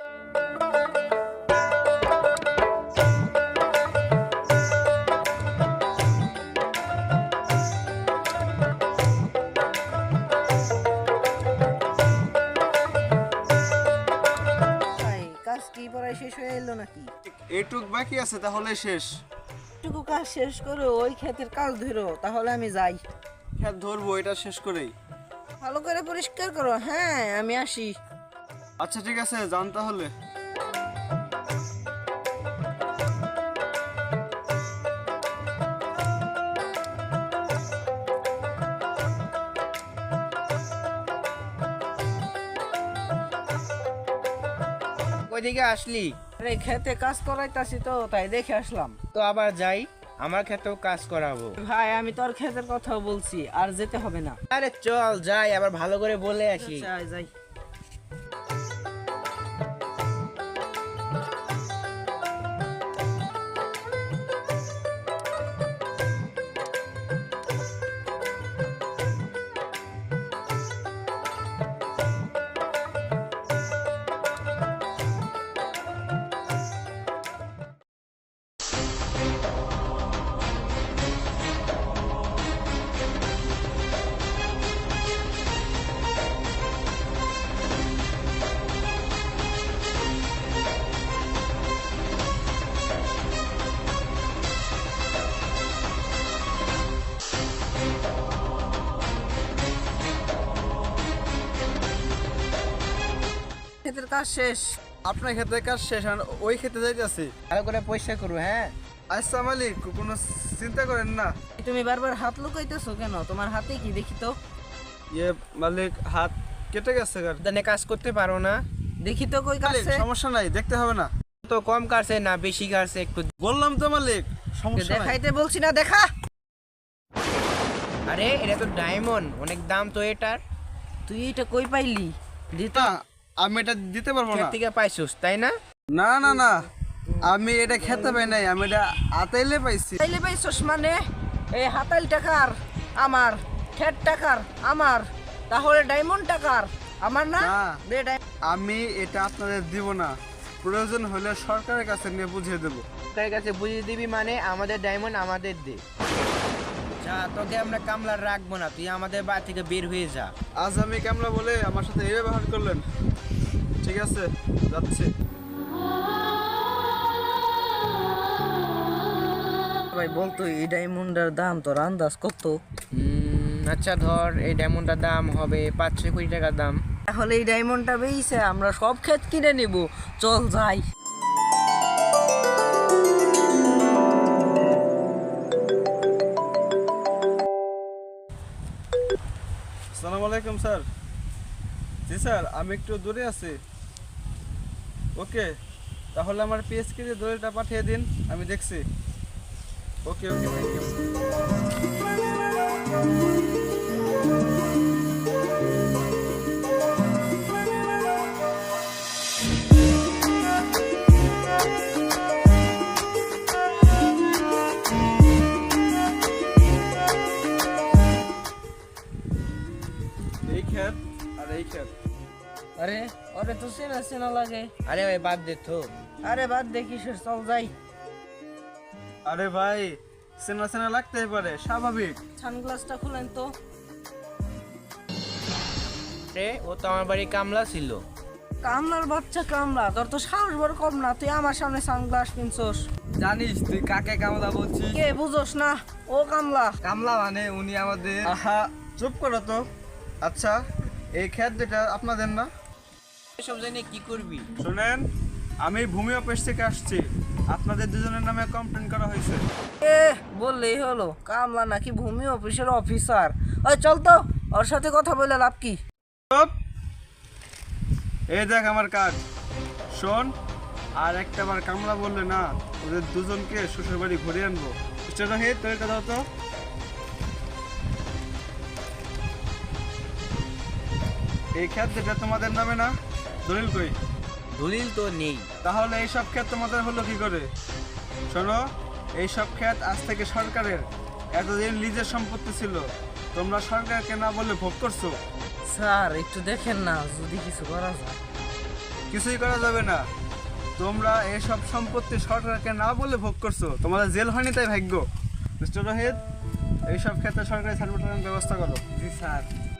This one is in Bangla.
কাজ কি পড়ায় শেষ হয়ে এলো নাকি? এইটুক বাকি আছে, তাহলে শেষ। টুকু কাজ শেষ করো, ওই ক্ষেতের কাজ ধরো, তাহলে আমি যাই। খেত ধরবো এটা শেষ করেই। ভালো করে পরিষ্কার করো। হ্যাঁ, আমি আসি। আচ্ছা ঠিক আছে, যান তাহলে। ওইদিকে আসলি? আরে খেতে কাজ করাইতাছি তো, তাই দেখে আসলাম। তো আবার যাই, আমার ক্ষেতেও কাজ করাবো। ভাই, আমি তোর ক্ষেতের কথাও বলছি, আর যেতে হবে না। আরে চল যাই, আবার ভালো করে বলে আসি। আচ্ছা, যাই। ক্ষেতের কাজ শেষ। আপনার ক্ষেতের কাজ শেষ, আর ওই খেতে যাইতেছি। ভালো করে পরিষ্কার করবো। হ্যাঁ, আচ্ছা মালিক, কোনো চিন্তা করেন না। তুমি বারবার হাত লুকাইতেছো কেন? তোমার হাতে কি দেখি তো? ইয়ে মালিক, হাত কেটে গেছে। দানে কাজ করতে পারো না? দেখি তো কই মালিক, কাটছে। সমস্যা নাই, দেখতে হবে না। তো কম কাটছে না বেশি কাটছে একটু? বললাম তো মালিক, সমস্যা নাই। দেখাইতে বলছি না, দেখা। আরে এটা তো ডায়মন্ড, অনেক দাম তো এটার। তুই এটা কই পাইলি? দিতে না, আমি এটা দিতে পারবো ক্ষেত না। থেকে পাইছিস তাই না? না না না, আমি এটা খেতে পাই নাই, আমি এটা আতাইলে পাইছি। চাইলে পাইছস মানে? এই হাতাল টাকার আমার, খেট টাকার আমার, তাহলে ডায়মন্ড টাকার আমার না? না। দে আমি এটা আপনাদের দিব না, প্রয়োজন হলে সরকারের কাছে নিয়ে বুঝিয়ে দেবো। তার কাছে বুঝিয়ে দিবি মানে? আমাদের ডায়মন্ড আমাদের দে। যা, তোকে আমরা কামলা রাখবো না, তুই আমাদের বাড়ি থেকে বের হয়ে যা। আজ আমি কামলা বলে আমার সাথে এই ব্যবহার করলেন? ঠিক আছে, যাচ্ছি। ভাই বলতো, এই ডায়মন্ডের দাম তোর আন্দাজ কত? আচ্ছা ধর, এই ডায়মন্ডটার দাম হবে 5-6 কোটি টাকার দাম। তাহলে এই ডায়মন্ডটা বেইছে আমরা সব ক্ষেত কিনে নিব। চল যাই। আসসালামু আলাইকুম স্যার। জি স্যার, আমি একটু দূরে আছি। ওকে, তাহলে আমার পিএসকে যে দলিলটা পাঠিয়ে দিন, আমি দেখছি। Okay okay, thank you. এই ক্ষেত আর এই ক্ষেত। আরে ওরে তো চেনা চেনা লাগে। আরে ভাই বাদ দে তো। আরে বাদ দেখিস, চল যাই। আরে ভাই, চেনা চেনা লাগতেই পারে, স্বাভাবিক। সানগ্লাসটা খুলেন তো। রে, ও তো আমার বাড়ি কামলা ছিল। কামলার বাচ্চা কামলা, তোর তো সাহস বড় কম না, তুই আমার সামনে সানগ্লাস কিনছস। জানিস তুই কাকে কামলা বলছিস? কে বুঝোস না? ও কামলা। কামলা মানে উনি আমাদের। আহা, চুপ করো তো। আচ্ছা, এই ক্ষেত যেটা আপনাদের না? এসব জানি কি করবি? শুনেন, আমি ভূমি অফিস থেকে আসছি। আপনাদের দুজনের নামে কমপ্লেন করা হয়েছে। এ বললেই হলো, কামলা নাকি ভূমি অফিসের অফিসার? ওই চল তো, ওর সাথে কথা বলে লাভ কি? চুপ! এই দেখ আমার কার্ড, শোন। আর একটা বার কামলা বললে না, ওদের দুজনকে শ্বশুর বাড়ি ঘুরিয়ে আনবো। মিস্টার রোহিত, তোর কথা তো। এই ক্ষেত যেটা তোমাদের নামে না, দলিল কই? দলিল তো নেই। তাহলে এই সব ক্ষেত তোমাদের হলো কি করে? শোনো, এই সব ক্ষেত আজ থেকে সরকারের। এতদিন লিজের সম্পত্তি ছিল, তোমরা সরকারকে না বলে ভোগ করছো। স্যার একটু দেখেন না, যদি কিছু করা যায়। কিছুই করা যাবে না। তোমরা এইসব সম্পত্তি সরকারকে না বলে ভোগ করছো, তোমাদের জেল হয়নি তাই ভাগ্য। মিস্টার রোহিত, এইসব ক্ষেত্রে সরকারি সার্টিফিকেটের ব্যবস্থা করো। জি স্যার।